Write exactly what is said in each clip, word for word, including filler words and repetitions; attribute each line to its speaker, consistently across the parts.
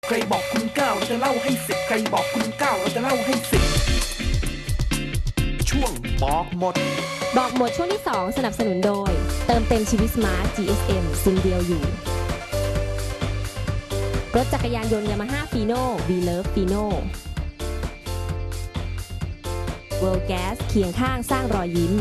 Speaker 1: ใครบอกคุณเก้าเราจะเล่าให้สิบใครบอกคุณเก้าเราจะเล่าให้สิบช่วงบอกหมด
Speaker 2: บอกหมดช่วงที่สองสนับสนุนโดยเติมเต็มชีวิตสมาร์ท จี เอส เอ็ม ซิมเดียวอยู่รถจักรยานยนต์ยามาฮ่าฟีโน่ We Love Fino World Gas เคียงข้างสร้างรอยยิ้ม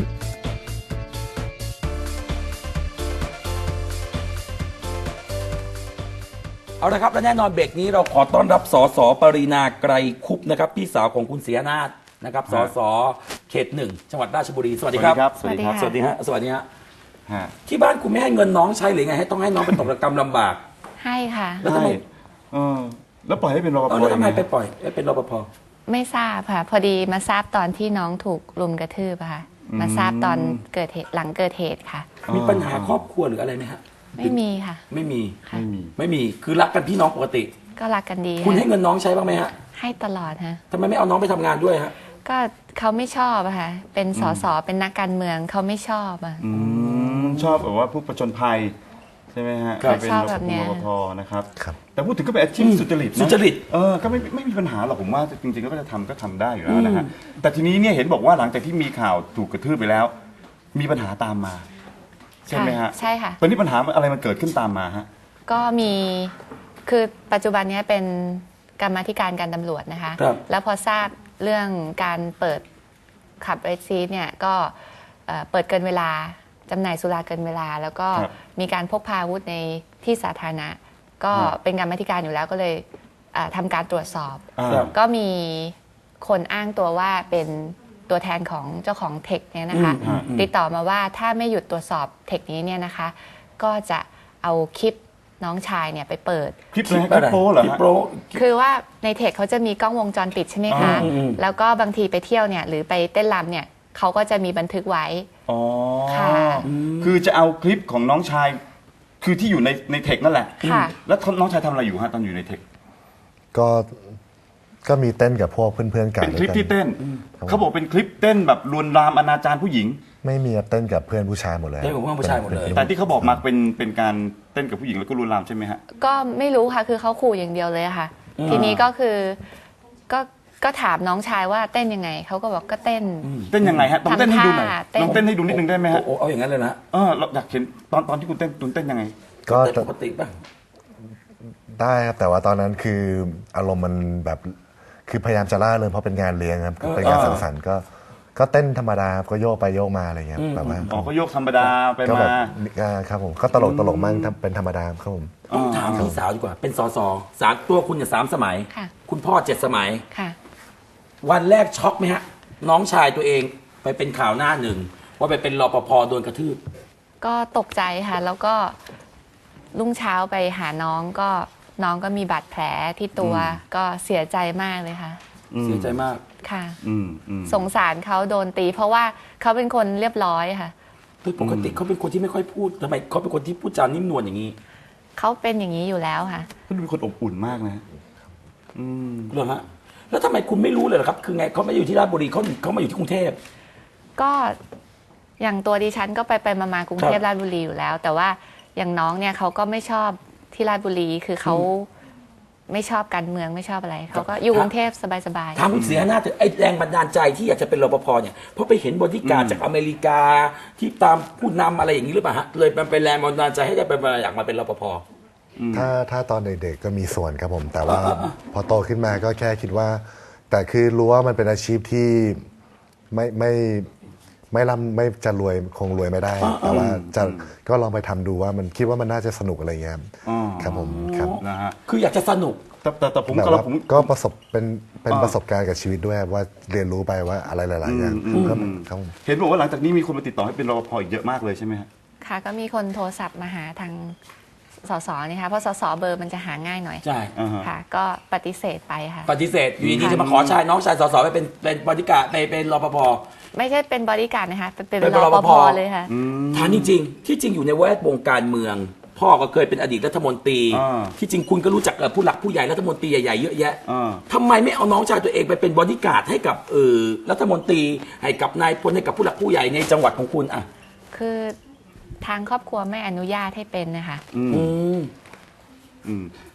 Speaker 3: เอาละครับและแน่นอนเบรกนี้เราขอต้อนรับสสปรีนาไกรคุปนะครับพี่สาวของคุณศรีอนาถนะครับสสเขตหนึ่งจังหวัดราชบุรีสวัสดีครับ
Speaker 4: สวัสดีครับ
Speaker 3: สวัสดีฮะสวัสดีฮะ
Speaker 4: ฮะ
Speaker 3: ที่บ้านคุณไม่ให้เงินน้องใช้หรือไงให้ต้องให้น้องเป็นตกระกรรมลำบาก
Speaker 5: ให้ค่ะ
Speaker 3: แล้วทำไม
Speaker 4: เออแล้วปล่อยให้เป็นรปภ
Speaker 3: เออแล้วทำไม
Speaker 4: ยัง
Speaker 3: ไป
Speaker 4: ง
Speaker 3: ปล่อยให้เป็นรปภ
Speaker 5: ไม่ทราบค่ะ พอดีมาทราบตอนที่น้องถูกรุมกระทืบอะค่ะ มาทราบตอนเกิดเหตุหลังเกิดเหตุค่ะ
Speaker 3: มีปัญหาครอบครัวหรืออะไรไหมฮะ
Speaker 5: ไม่มีค่ะ
Speaker 3: ไม่มี
Speaker 5: ค่ะ
Speaker 4: ไม่มี
Speaker 3: ไม่มีคือรักกันพี่น้องปกติ
Speaker 5: ก็รักกันดี
Speaker 3: คุณ
Speaker 5: ค่ะ
Speaker 3: ให้เงินน้องใช้บ้างไหมฮะ
Speaker 5: ให้ตลอดฮะ
Speaker 3: ทำไมไม่เอาน้องไปทำงานด้วยฮะ
Speaker 5: ก็เขาไม่ชอบอะค่ะ เป็นสสเป็นนักการเมืองเขาไม่ชอบอะ
Speaker 4: อืมชอบแบบว่าพวกประจนภัยใช่ไหมฮะ
Speaker 5: ครับ
Speaker 4: เป็น
Speaker 5: ชอบ
Speaker 4: ร
Speaker 5: แบบเนี้ย
Speaker 4: ปภนะครับ
Speaker 6: ครับ
Speaker 4: แต่พูดถึงก็เป็นอาชีพสุจริตนะ
Speaker 3: สุจริต
Speaker 4: เออก็ไม่ไม่มีปัญหาหรอกผมว่าจริงๆก็จะทำก็ทำได้อยู่แล้วนะฮะแต่ทีนี้เนี่ยเห็นบอกว่าหลังจากที่มีข่าวถูกกระทืบไปแล้ว มีปัญหาตามมา ใช่ไหมฮะ
Speaker 5: ใช่ค่ะ
Speaker 4: ตอนนี้ปัญหาอะไรมันเกิดขึ้นตามมาฮะ
Speaker 5: ก็มีคือปัจจุบันเนี้ยเป็นกรรมาธิการการตำรวจนะคะ
Speaker 3: ครับ
Speaker 5: แล้วพอทราบเรื่องการเปิดขับเรดซีเนี่ยก็เอ่อเปิดเกินเวลาจำหน่ายสุราเกินเวลา แล้วก็
Speaker 4: ครับ
Speaker 5: มีการพกพาอาวุธในที่สาธารณะ ก็
Speaker 4: ครับ
Speaker 5: เป็นกรรมาธิการอยู่แล้วก็เลยเอ่อทำการตรวจสอบ
Speaker 4: อ่า
Speaker 3: ครับ
Speaker 5: ก็มีคนอ้างตัวว่าเป็นตัวแทนของเจ้าของเทคเนี่ยนะคะ
Speaker 3: อืมอืม
Speaker 5: ติดต่อมาว่าถ้าไม่หยุดตรวจสอบเทคนี้เนี่ยนะคะ ก็จะเอาคลิปน้องชายเนี่ยไปเปิด
Speaker 4: คลิปอะไรฮะคลิปโป้เหรอ
Speaker 3: คลิป
Speaker 4: ฮะ
Speaker 3: โป้
Speaker 5: คือว่าในเทคเขาจะมีกล้องวงจรปิดใช่ไหมคะ
Speaker 3: อืมอืม
Speaker 5: แล้วก็บางทีไปเที่ยวเนี่ยหรือไปเต้นรำเนี่ยเขาก็จะมีบันทึกไว้
Speaker 4: อ๋อ
Speaker 5: ค่ะ
Speaker 4: คือจะเอาคลิปของน้องชาย คือที่อยู่ในในเทคนั่นแหละ
Speaker 5: ค่ะ
Speaker 4: แล้วน้องชายทำอะไรอยู่ฮะตอนอยู่ในเทค
Speaker 6: ก็ก็มีเต้นกับพวกเพื่อนๆกัน
Speaker 4: เป็นคลิป
Speaker 6: ด้วยกั
Speaker 4: ที่เต้น เขาบอกเป็นคลิปเต้นแบบลวนลามอนาจารผู้หญิง
Speaker 6: ไม่มีเต้นกับเพื่อนผู้ชายหมดเลย
Speaker 3: เต้นกับเพื่อนผู้ชายหมดเลย
Speaker 6: ป็น
Speaker 4: แต่ที่เขาบอกมาเป็นเป็นการเต้นกับผู้หญิงแล้วก็ลวนลามใช่ไหมฮะ
Speaker 5: ก็ไม่รู้ค่ะคือเขาขู่อย่างเดียวเลยอะค่ะ ทีนี้ก็คือก็ก็ถามน้องชายว่าเต้นยังไงเขาก็บอกก็เต้น
Speaker 4: เต้นยังไงฮะต้องเต้นให้ดูหน่อย
Speaker 5: ทำท่าเต้น
Speaker 4: ลองเต้นให้ดูนิดนึงได้ไหมฮะ
Speaker 3: โอ้โหเอาอย่างนั้นเลยนะ
Speaker 4: เออเราอยากเห็นตอนตอนที่คุณเต้นคุณเต้นยังไง
Speaker 6: ก็
Speaker 3: เต้นปกติป่ะ
Speaker 6: ได้ครับแต่ว่าตอนนั้นคืออารมณ์มันแบบคือพยายามจะล่าเริงเพราะเป็นงานเลี้ยงครับคือเป็นงานสังสรรค์ก็ก็เต้นธรรมดาครับก็โยกไปโยกมาอะไรเงี้ยแบบว่า
Speaker 4: อ๋อก็โยกธรรมดาไป
Speaker 6: ก็แบ
Speaker 4: มา
Speaker 6: บอ่าครับผมก็ตลกตลกมั่งทำเป็นธรรมดาครับผม
Speaker 3: ต้องถามพี่สาวดีกว่า เป็นสสสามตัวคุณเนี่ยสามสมัย
Speaker 5: ค่ะ
Speaker 3: คุณพ่อเจ็ดสมัย
Speaker 5: ค่ะ
Speaker 3: วันแรกช็อกไหมฮะ น้องชายตัวเองไปเป็นข่าวหน้าหนึ่ง ว่าไปเป็นรปภโดนกระทืบ
Speaker 5: ก็ตกใจค่ะ แล้วก็รุ่งเช้าไปหาน้องก็น้องก็มีบาดแผลที่ตัวก็เสียใจมากเลยค่ะ
Speaker 3: เสียใจมาก
Speaker 5: ค่ะ
Speaker 4: อืมอืม
Speaker 5: สงสารเขาโดนตี เพราะว่าเขาเป็นคนเรียบร้อยค่ะ
Speaker 3: โดยปกติเขาเป็นคนที่ไม่ค่อยพูดทำไมเขาเป็นคนที่พูดจานิ่มนวลอย่างนี้
Speaker 5: เขาเป็นอย่างนี้อยู่แล้วค่ะ
Speaker 4: เขาดูเป็นคนอบอุ่นมากนะฮะอืม
Speaker 3: เหรอฮะ แล้วทำไมคุณไม่รู้เลยเหรอครับ คือไงเขาไม่ได้อยู่ที่ราชบุรีเขาเขามาอยู่ที่กรุงเทพ
Speaker 5: ก็อย่างตัวดิฉันก็ไปไปมามากรุงเทพราชบุรีอยู่แล้ว แต่ว่าอย่างน้องเนี่ยเขาก็ไม่ชอบที่ราชบุรีคือเขาไม่ชอบการเมืองไม่ชอบอะไรเขาก็อยู่กรุงเทพสบาย
Speaker 3: ถามคุณเสียหน้าเถอะไอ้แรงบันดาลใจที่อยากจะเป็นรปภเนี่ย เพราะไปเห็นบอดี้การ์ดจากอเมริกาที่ตามผู้นำอะไรอย่างนี้หรือเปล่าฮะ เลยมันเป็นแรงบันดาลใจให้ได้เป็นอยากมาเป็นรปภ
Speaker 6: ถ้าถ้าตอนเด็กๆก็มีส่วนครับผม แต่ว่าพอโตขึ้นมาก็แค่คิดว่า แต่คือรู้ว่ามันเป็นอาชีพที่ไม่ไม่ไม่ร่ำไม่จะรวยคงรวยไม่ได้ แต่ว่าจะก็ลองไปทำดูว่ามันคิดว่ามันน่าจะสนุกอะไรเงี้ยครับ
Speaker 4: อ๋อ
Speaker 6: ครับผมครับ
Speaker 4: นะฮะ
Speaker 3: คืออยากจะสนุก
Speaker 4: แต่แต่แต่ผม
Speaker 6: แบบ
Speaker 4: ก็
Speaker 6: ว่า
Speaker 4: ผม
Speaker 6: ก็ประสบเป็นเป็น
Speaker 4: อ่า
Speaker 6: ประสบการณ์กับชีวิตด้วยครับว่าเรียนรู้ไปว่าอะไรหลายๆอย่าง
Speaker 4: อืม
Speaker 6: ครับ
Speaker 4: อืม
Speaker 6: ครับผม
Speaker 4: เห็นบอกว่าหลังจากนี้มีคนมาติดต่อให้เป็นรปภอีกเยอะมากเลยใช่ไหมฮะ
Speaker 5: ๆ ค่ะก็มีคนโทรศัพท์มาหาทางสสนี่ค่ะเพราะสสเบอร์มันจะหาง่ายหน่อย
Speaker 3: ใช่
Speaker 4: อ่าฮะ
Speaker 5: ค่ะ ก็ปฏิเสธไปค่ะ
Speaker 3: ปฏิเสธ อยู่ดีๆจะมาขอชายน้องชายสสไปเป็นเป็นบริการไปเป็นรปภ
Speaker 5: ไม่ใช่เป็นบริการดนะคะเป็นเป็น
Speaker 3: เป็น
Speaker 5: ร
Speaker 3: ร
Speaker 5: ป
Speaker 3: ป
Speaker 5: ภ
Speaker 3: ภ
Speaker 5: เลยค่ะ
Speaker 3: ถามจริงๆ ที่จริงอยู่ในแวดวงการเมือง พ่อก็เคยเป็นอดีตรัฐมนตรี
Speaker 4: อ่า
Speaker 3: ที่จริงคุณก็รู้จักเอ่อผู้หลักผู้ใหญ่รัฐมนตรีใหญ่ๆเยอะแยะ
Speaker 4: อ่า
Speaker 3: ทำไมไม่เอาน้องชายตัวเองไปเป็นบอดี้การ์ดให้กับเออรัฐมนตรีให้กับนายพลให้กับผู้หลักผู้ใหญ่ในจังหวัดของคุณอ่ะ
Speaker 5: คือทางครอบครัวไม่อนุญาตให้เป็นนะคะ
Speaker 4: อืม
Speaker 3: อืม
Speaker 4: อืม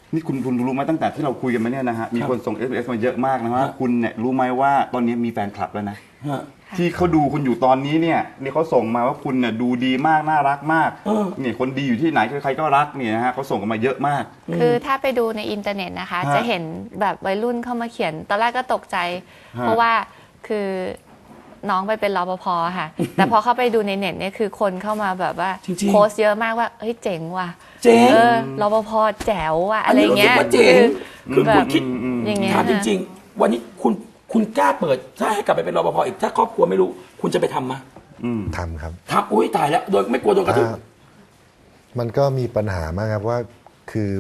Speaker 4: นี่คุณคุณรู้ไหมตั้งแต่ที่เราคุยกันมาเนี่ยนะฮะมีคนส่ง เอส เอ็ม เอส มาเยอะมากนะว่าคุณเนี่ยรู้ไหมว่าตอนนี้มีแฟนคลับแล้วนะ
Speaker 3: ฮะ
Speaker 4: ที่เขาดูคุณอยู่ตอนนี้เนี่ยนี่เขาส่งมาว่าคุณเนี่ยดูดีมากน่ารักมาก
Speaker 3: เออ
Speaker 4: เนี่ยคนดีอยู่ที่ไหนใครๆก็รักเนี่ยนะฮะเขาส่งกันมาเยอะมาก
Speaker 5: คือถ้าไปดูในอินเทอร์เน็ตนะคะ
Speaker 4: ฮะ
Speaker 5: จะเห็นแบบวัยรุ่นเข้ามาเขียน ตอนแรกก็ตกใจ
Speaker 4: ฮะ
Speaker 5: เพราะว่าคือน้องไปเป็นรปภค่ะ แต่พอเข้าไปดูในเน็ตเนี่ยคือคนเข้ามาแบบว่า
Speaker 3: จริงๆ
Speaker 5: โพสต์เยอะมากว่าเฮ้ยเจ๋งว่ะ
Speaker 3: เจ๋ง
Speaker 5: เออรปภแจ๋วว่ะอะไรเงี้ย
Speaker 3: อันนี้รู้สึกว่าเจ๋งคือ
Speaker 5: แบ
Speaker 3: คุ
Speaker 5: บ
Speaker 3: ณคิด
Speaker 5: อย่างเงี้ย
Speaker 3: ถามจริง ๆ วันนี้คุณคุณกล้าเปิด ถ้าให้กลับไปเป็นรปภอีกถ้าครอบครัวไม่รู้ คุณจะไปทำมา
Speaker 4: อืม
Speaker 6: ทำครับ
Speaker 3: ทำอุ้ยตายแล้ว โดยไม่กลัวโดนกระทืบ
Speaker 6: อ่ามันก็มีปัญหามากครับว่าคือ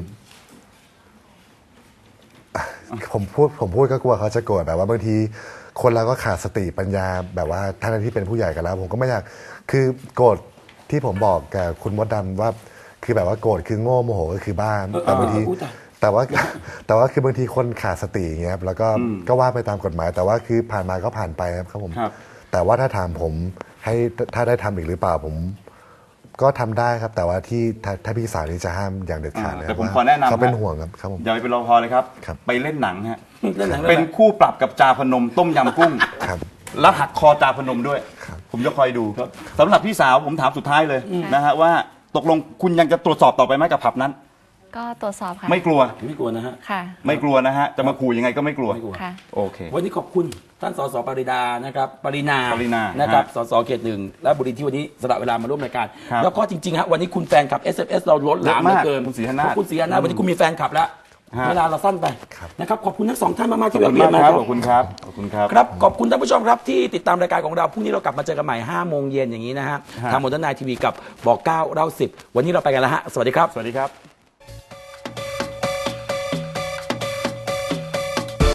Speaker 6: อ่ะผมพูดผมพูดก็กลัวเขาจะโกรธแบบว่าบางทีคนเราก็ขาดสติปัญญาแบบว่าท่านที่เป็นผู้ใหญ่กันแล้ว ผมก็ไม่อยากคือโกรธที่ผมบอกกับคุณมดดำว่า คือแบบว่าโกรธคือโง่โมโหก็คือบ้าแต่บางที
Speaker 3: อุ๊ยตาย
Speaker 6: แต่ว่า แต่ว่าคือบางทีคนขาดสติอย่างเงี้ยครับแล้วก็ก็ว่าไปตามกฎหมาย แต่ว่าคือผ่านมาก็ผ่านไปครับครับผม
Speaker 4: ครับ
Speaker 6: แต่ว่าถ้าถามผมให้ถ้าได้ทำอีกหรือเปล่าผม ก็ทำได้ครับ แต่ว่าที่ถ้าถ้าพี่สาวนี่จะห้ามอย่างเด็ดขาด
Speaker 4: อ่า
Speaker 6: เลย
Speaker 4: แต่ผม
Speaker 6: ว่า
Speaker 4: ขอแนะนำ
Speaker 6: เขาเป็น
Speaker 4: ฮะ
Speaker 6: ห่วงครับครับผม
Speaker 4: อย่าไปเป็นรปภเลยครับ
Speaker 6: ครับ
Speaker 4: ไปเล่นหนังฮะ
Speaker 3: เล่นหนัง
Speaker 4: เป็นคู่ปรับกับจาพนมต้มยำกุ้ง
Speaker 6: ครับ
Speaker 4: แล้วหักคอจาพนมด้วย
Speaker 6: ครับ
Speaker 4: ผมจะคอยดูสำหรับพี่สาวผมถามสุดท้ายเลยนะฮะว่าตกลงคุณยังจะตรวจสอบต่อไปไหมกับผับนั้น
Speaker 5: ก็ตรวจสอบค่ะ
Speaker 4: ไม่กลัว
Speaker 3: ไม่กลัวนะฮะ
Speaker 5: ค่ะ
Speaker 4: ไม่กลัวนะฮะจะมาขู่ยังไงก็ไม่กลัว
Speaker 3: ไม่กลัว
Speaker 5: ค่ะ
Speaker 4: โอเค
Speaker 3: วันนี้ขอบคุณท่านสสปริดานะครับปรินา
Speaker 4: ปรินา
Speaker 3: นะครับ
Speaker 4: ฮะ
Speaker 3: สสเขตหนึ่งและบุรีที่วันนี้สละเวลามาร่วมรายการ
Speaker 4: ครับ
Speaker 3: แล้วก็จริงๆฮะวันนี้คุณแฟนคลับ เอส เอ็ม เอส เราล้นหลามเหลือเกิน
Speaker 4: เยอะมากคุณศรีหนาถ
Speaker 3: ขอบคุณศรีหนาถวันนี้คุณมีแฟนคลับแล้ว
Speaker 4: ฮะ
Speaker 3: เวลาเราสั้นไป
Speaker 6: ครับ
Speaker 3: นะครับขอบคุณทั้งสองท่านมากๆ
Speaker 4: ขอบ
Speaker 3: ที่
Speaker 4: คุณ
Speaker 3: แวะเวีย
Speaker 4: มาน ก
Speaker 3: มา
Speaker 4: ค
Speaker 3: ค
Speaker 4: รั
Speaker 3: รั
Speaker 4: บบ ขอบคุณครับขอบคุณครับ
Speaker 3: ครับ ขอบคุณท่านผู้ชมครับที่ติดตามรายการของเรา พรุ่งนี้เรากลับมาเจอกันใหม่ห้าโมงเย็นอย่างนี้นะฮะ
Speaker 4: ฮะ
Speaker 3: ทางโมเดิร์นไนทีวีกับบอกเก้าเล่าสิบวันนี้เราไปกันแล้วฮะ สวัสดีครับ
Speaker 4: สวัสดีครับ